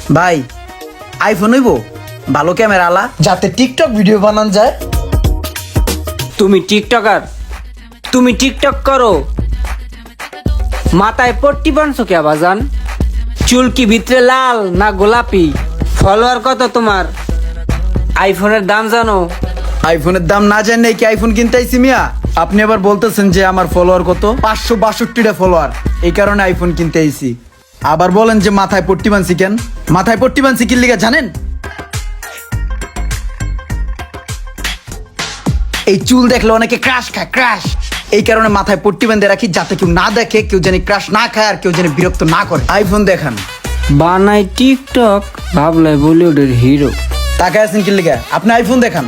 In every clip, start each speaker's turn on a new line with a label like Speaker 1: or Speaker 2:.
Speaker 1: ভাই আইফোন হইব ভালো ক্যামেরা আলা যাতে টিকটক ভিডিও বানান যায়।
Speaker 2: তুমি টিকটকার, তুমি টিকটক করো, মাথায় পট্টি বানছো কে বাজান? চুল কি ভিতরে লাল না গোলাপি? ফলোয়ার কত তোমার? আইফোনের দাম জানো?
Speaker 1: আইফোনের দাম না জানেই কি আইফোন কিনতে আইছি মিয়া? আপনি আবার বলতেছেন যে আমার ফলোয়ার কত? 562টা ফলোয়ার, এই কারণে আইফোন কিনতে আইছি। আবার বলেন যে মাথায় পট্টি বানছি কেন? মাথায় পট্টি বানছি কি লিগা জানেন? এই চুল দেখলে অনেকে ক্রাশ খায়, ক্রাশ। এই কারণে মাথায় পট্টি বেঁধে রাখি যাতে কেউ না দেখে, কেউ জানি ক্রাশ না খায় আর কেউ জানি বিরক্ত না করে। আইফোন দেখান।
Speaker 2: বানাই টিকটক, ভাবলাই বলিউডের হিরো।
Speaker 1: তাকায় আছেন কি লিগা? আপনি আইফোন দেখান।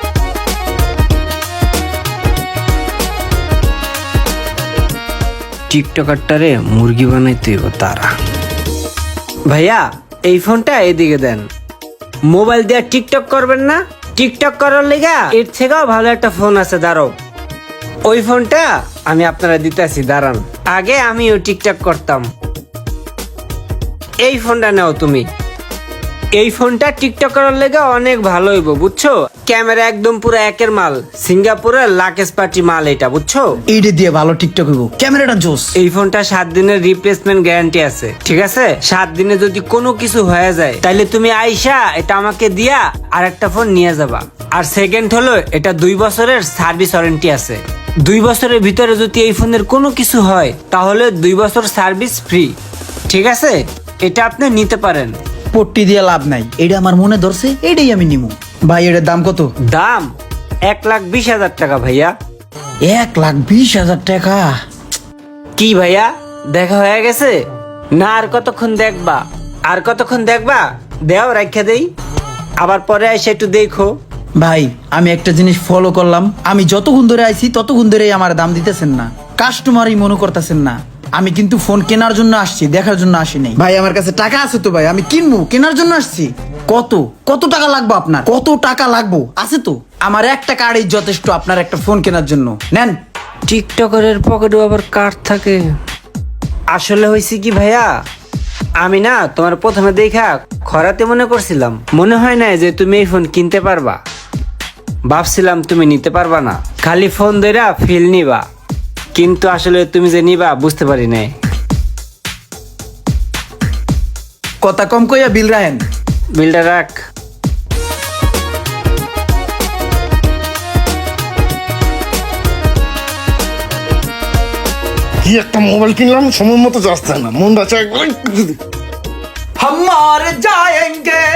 Speaker 2: টিকটকারটারে মুরগি বানাইতে হইব তারা। ভাইয়া এই ফোনটা এদিকে দেন। মোবাইল দিয়ে টিকটক করবেন না? টিকটক করার লেগা এর থেকেও ভালো একটা ফোন আছে, দাঁড়াও। ওই ফোনটা আমি আপনারা দিতেছি, দাঁড়ান। আগে আমিও টিকটক করতাম। এই ফোনটা নাও তুমি। এই ফোনটা টিকটক করার লেগে অনেক ভালো হইব, বুঝছো? ক্যামেরা একদম পুরো একের মাল, সিঙ্গাপুরের লাকেশ পার্টি মাল এটা, বুঝছো?
Speaker 1: এইটা দিয়ে ভালো টিকটক হইব, ক্যামেরাটা জোস।
Speaker 2: এই ফোনটা 7 দিনের রিপ্লেসমেন্ট গ্যারান্টি আছে, ঠিক আছে? 7 দিনে যদি কোনো কিছু হয়ে যায় তাহলে তুমি আইসা এটা আমাকে দিয়া আর একটা ফোন নিয়ে যাবা। আর সেকেন্ড হলো এটা 2 বছরের সার্ভিস ওয়ারেন্টি আছে। 2 বছরের ভিতরে যদি এই ফোনের কোনো কিছু হয় তাহলে 2 বছর সার্ভিস ফ্রি, ঠিক আছে? এটা আপনি নিতে পারেন।
Speaker 1: পট্টি দিয়ে লাভ নাই, এটা আমার মনে ধরছে, এটাই আমি নিমু। ভাই এটার দাম কত?
Speaker 2: দাম 1,20,000 টাকা ভাইয়া।
Speaker 1: 1,20,000 টাকা?
Speaker 2: কি ভাইয়া দেখা হয়ে গেছে? না আর কতক্ষণ দেখবা? আর কতক্ষণ দেখবা? দেও রাখা দেই, আবার পরে এসে একটু দেখো।
Speaker 1: ভাই আমি একটা জিনিস ফলো করলাম, আমি যতক্ষণ ধরে আইছি ততক্ষণ ধরেই আমার দাম দিতেছেন না, কাস্টমারই মনে করতেছেন না। আমি কিন্তু ফোন কেনার জন্য আসছি, দেখার জন্য আসি নাই। ভাই আমার কাছে টাকা আছে তো ভাই, আমি কিনবো, কেনার জন্য আসছি। কত কত টাকা লাগবে আপনার? কত টাকা লাগবে? আছে তো আমার 1 টাকারই যথেষ্ট আপনার একটা ফোন কেনার জন্য। নেন।
Speaker 2: টিকটকারের পকেটে আবার কার্ড থাকে। আসলে হয়েছে কি ভাইয়া, আমি না তোমার প্রথমে দেখা খরাতে মনে করছিলাম, মনে হয় না যে তুমি এই ফোন কিনতে পারবা। ভাবছিলাম তুমি নিতে পারবা না, খালি ফোন ধরা ফিল নিবা, কিন্তু আসলে তুমি যে নিবা বুঝতে পারি নাই।
Speaker 1: কথা কম কইয়া বিল রাখেন।
Speaker 2: বিলটা রাখ।
Speaker 3: কি একটা মোবাইল কিনলাম, সময় মতো যাচ্ছে না, মনটা চায়
Speaker 1: হামার যায়েঙ্গে।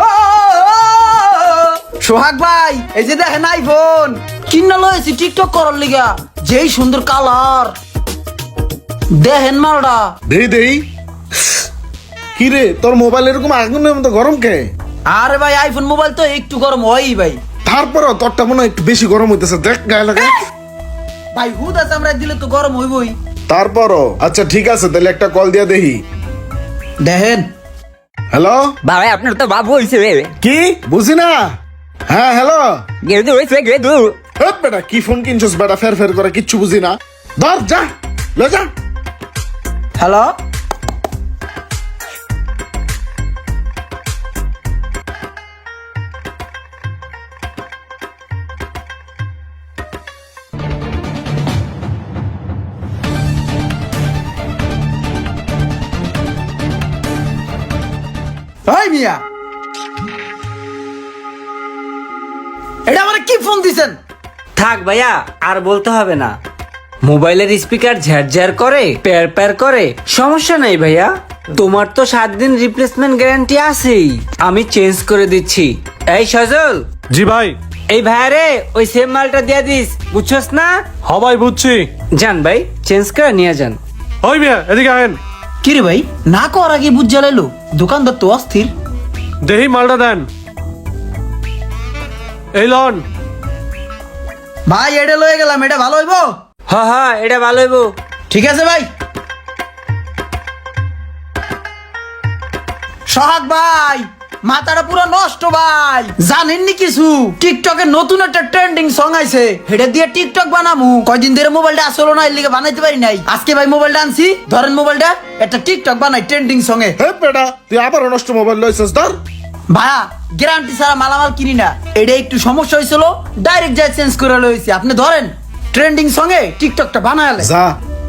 Speaker 1: সোহাগ ভাই এই যে দেখেন আইফোন কিনা লয়েছি টিকটক করার লিগা, যেই সুন্দর কালার দেখেন মালটা।
Speaker 3: দেই দেই। কি রে তোর মোবাইল এরকম আগুনের মতো গরম কে?
Speaker 1: আরে ভাই আইফোন মোবাইল তো একটু গরম হয়ই ভাই।
Speaker 3: তারপরও তোরটা মনে হয় একটু বেশি গরম হইতেছে, দেখ গায়ে লাগে।
Speaker 1: ভাই হুদা চামড়া দিলে তো গরম হইবই।
Speaker 3: তারপরও আচ্ছা ঠিক আছে, তাহলে একটা কল দিয়া দেখি।
Speaker 1: দেখেন।
Speaker 3: হ্যালো
Speaker 4: ভাই আপনার তো বাবু হয়েছে রে।
Speaker 3: কি বুঝি না? হ্যাঁ হ্যালো।
Speaker 4: গেদু হয়েছে গেদু।
Speaker 3: বেটা কি ফোন কিনছস বেটা, ফের ফের করে কিচ্ছু বুঝি না। ধর যা লে যা।
Speaker 1: হ্যালো। ভাই মিয়া এটা আমার কি ফোন দিছেন?
Speaker 2: থাক ভাইয়া আর বলতে হবে না। মোবাইলের স্পিকার ঝ্যার করে, প্যার প্যার করে, সমস্যা নাই ভাইয়া। তোমার তো 7 দিন রিপ্লেসমেন্ট গ্যারান্টি আছেই, আমি চেঞ্জ করে দিচ্ছি। এই সজল,
Speaker 5: জি ভাই।
Speaker 2: এই ভাইয়ারে ওই সেম মালটা দিয়ে দিস, বুঝছস না?
Speaker 5: হ্যাঁ ভাই বুঝছি।
Speaker 2: যান ভাই, চেঞ্জ করে নিয়ে যান।
Speaker 5: ওই মিয়া এদিকে আহেন।
Speaker 1: কি রে ভাই না কর আগে বুঝ জ্বালাইলো, দোকানদার তো অস্থির।
Speaker 5: দেহি মালটা দেন। এই লন।
Speaker 1: ভাই এটা লয়ে গেলাম, এটা ভালো হইবো?
Speaker 2: হ্যাঁ হ্যাঁ এটা ভালো হইব।
Speaker 1: ঠিক আছে ভাই। সোহাগ ভাই মাথাটা পুরো নষ্ট ভাই। জানেননি কিছু টিকটকে নতুন একটা ট্রেন্ডিং সং আইছে, হেডে দিয়ে টিকটক বানামু। কয়দিন ধরে মোবাইলটা আসলো না, এর লিগে বানাইতে পারি নাই। আজকে ভাই মোবাইলটা আনছি, ধরেন মোবাইলটা একটা টিকটক বানাই ট্রেন্ডিং সং এ।
Speaker 3: হে বেটা তুই আবার নষ্ট মোবাইল লইছিস ধর।
Speaker 1: ভাইয়া গ্যারান্টি ছাড়া মালামাল কিনি না, এটা একটু সমস্যা হয়েছিল, ডাইরেক্ট যাই চেঞ্জ করে লইছি। আপনি ধরেন ট্রেন্ডিং সং এ টিকটকটা বানালে।
Speaker 3: যা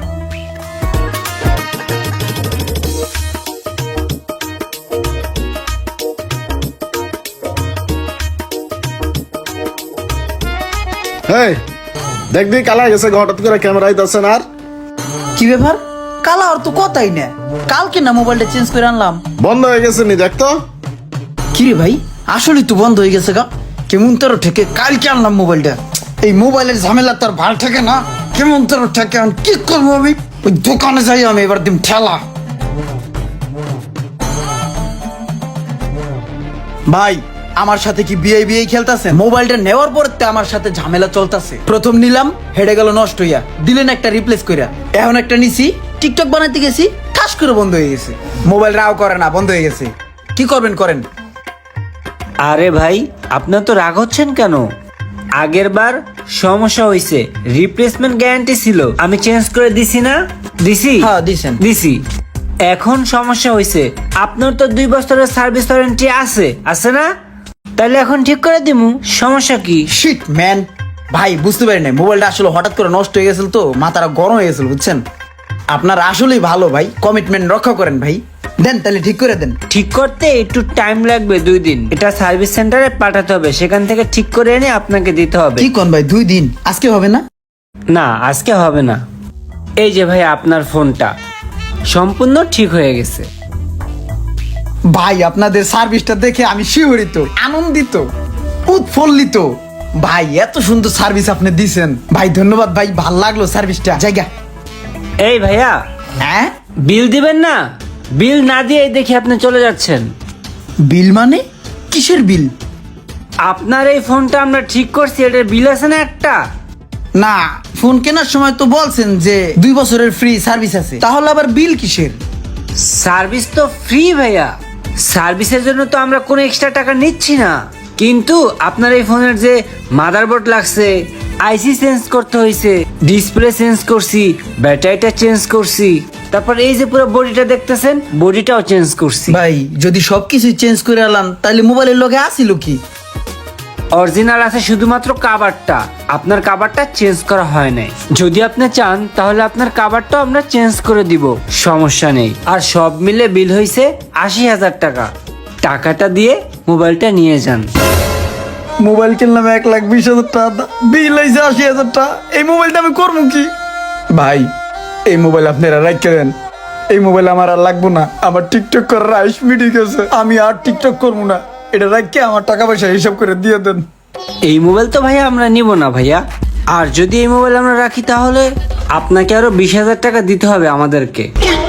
Speaker 3: হেই দেখবি কালা গেছে হঠাৎ করে ক্যামেরা আইতাছে না। আর
Speaker 1: কি ব্যাপার, কালা আর তো কথাই না, কালকে না মোবাইলটা চেঞ্জ করে আনলাম।
Speaker 3: বন্ধ হয়ে গেছে নি দেখতো।
Speaker 1: কিরে ভাই আসলে তো বন্ধ হয়ে গেছে গা, কেমন তোর ঠেকে কালকে আনলাম মোবাইলটা। এই মোবাইলের ঝামেলা তোর ভাল ঠেকে না, কেমন তোর ঠেকে। আমি কি করবো, আমি ওই দোকানে যাই, আমি এবার দিম ঠেলা। ভাই আমার সাথে কি বিয়ে বিয়ে খেলতেছে? মোবাইলটা নেওয়ার পর আমার সাথে ঝামেলা চলতেছে। প্রথম নিলাম, হেডে গেল নষ্ট হইয়া, দিলেন একটা রিপ্লেস কইরা। এখন একটা নিছি, টিকটক বানাইতে গেছি, ঠাস করে বন্ধ হয়ে গেছে। মোবাইল রাও করে না, বন্ধ হয়ে গেছে। কি করবেন করেন।
Speaker 2: আরে ভাই আপনার তো রাগ হচ্ছেন কেন? আগের বার সমস্যা হয়েছে, রিপ্লেসমেন্ট গ্যারান্টি ছিল, আমি চেঞ্জ করে দিছি না? দিছি?
Speaker 1: হ্যাঁ, দিছেন।
Speaker 2: দিছি। এখন সমস্যা হয়েছে, আপনার তো 2 বছরের সার্ভিস ওয়ারেন্টি আছে না? তাহলে এখন ঠিক করে দিমু, সমস্যা কি?
Speaker 1: শিট ম্যান, ভাই বুঝতে পারি নাই, মোবাইলটা আসলে হঠাৎ করে নষ্ট হয়ে গেছিল তো, মাথাটা গরম হয়ে গেছিল বুঝছেন। আপনার আসলেই ভালো ভাই, কমিটমেন্ট রক্ষা করেন ভাই। দেন তাহলে ঠিক করে দেন।
Speaker 2: ঠিক করতে একটু টাইম লাগবে, 2 দিন। এটা সার্ভিস সেন্টারে পাঠাতে হবে, সেখান থেকে ঠিক করে এনে আপনাকে দিতে হবে।
Speaker 1: কি কোন ভাই, 2 দিন? আজকে হবে না?
Speaker 2: না আজকে হবে না। এই যে ভাই আপনার ফোনটা সম্পূর্ণ ঠিক হয়ে গেছে।
Speaker 1: ভাই আপনাদের সার্ভিসটা দেখে আমি শিহরিত, আনন্দিত, উৎফুল্লিত। ভাই এত সুন্দর সার্ভিস আপনি দিছেন ভাই, ধন্যবাদ ভাই, ভাল লাগলো সার্ভিসটা। জায়গা
Speaker 2: এই ভাইয়া
Speaker 1: হ্যাঁ,
Speaker 2: বিল দিবেন না? বিল না দিয়ে দেখি আপনি চলে যাচ্ছেন।
Speaker 1: বিল মানে কিসের বিল?
Speaker 2: আপনার এই ফোনটা আমরা ঠিক করছি, এটার বিল আছে না একটা?
Speaker 1: না, ফোন কেনার সময় তো বলছেন যে 2 বছরের ফ্রি সার্ভিস আছে, তাহলে আবার বিল কিসের?
Speaker 2: সার্ভিস তো ফ্রি ভাইয়া, সার্ভিসের জন্য তো আমরা কোনো এক্সট্রা টাকা নিচ্ছি না। কিন্তু আপনার এই ফোনের যে মাদারবোর্ড লাগছে, আইসি চেঞ্জ করতে হয়েছে, ডিসপ্লে চেঞ্জ করছি, ব্যাটারিটা চেঞ্জ করছি, তারপর এই যে পুরো বডিটা দেখতেছেন, বডিটাও চেঞ্জ করছি।
Speaker 1: ভাই যদি সবকিছু চেঞ্জ করে আনলাম, তাহলে মোবাইলের লগে আসিল কি?
Speaker 2: অরিজিনাল আছে শুধুমাত্র কাভারটা, আপনার কাভারটা চেঞ্জ করা হয় নাই। যদি আপনি চান তাহলে আপনার কাভারটাও আমরা চেঞ্জ করে দিব, সমস্যা নেই। আর সব মিলে বিল হয়েছে 80,000 টাকা। টাকাটা দিয়ে মোবাইলটা নিয়ে যান।
Speaker 1: মোবাইল কিনলাম 1,20,000 টাকা, বিল হয়েছে 80,000 টাকা। এই মোবাইলটা আমি করবো কি? ভাই এই মোবাইল আপনারা রাখতে দেন, এই মোবাইল আমার আর লাগবো না। আমার টিকটক করার আইস মিটে গেছে, আমি আর টিকটক করবো না। এটা রাখকে আমার টাকা পয়সা হিসাব করে দিয়ে দেন।
Speaker 2: এই মোবাইল তো ভাইয়া আমরা নিব না ভাইয়া। আর যদি এই মোবাইল আমরা রাখি তাহলে আপনাকে আরো 20,000 টাকা দিতে হবে আমাদেরকে।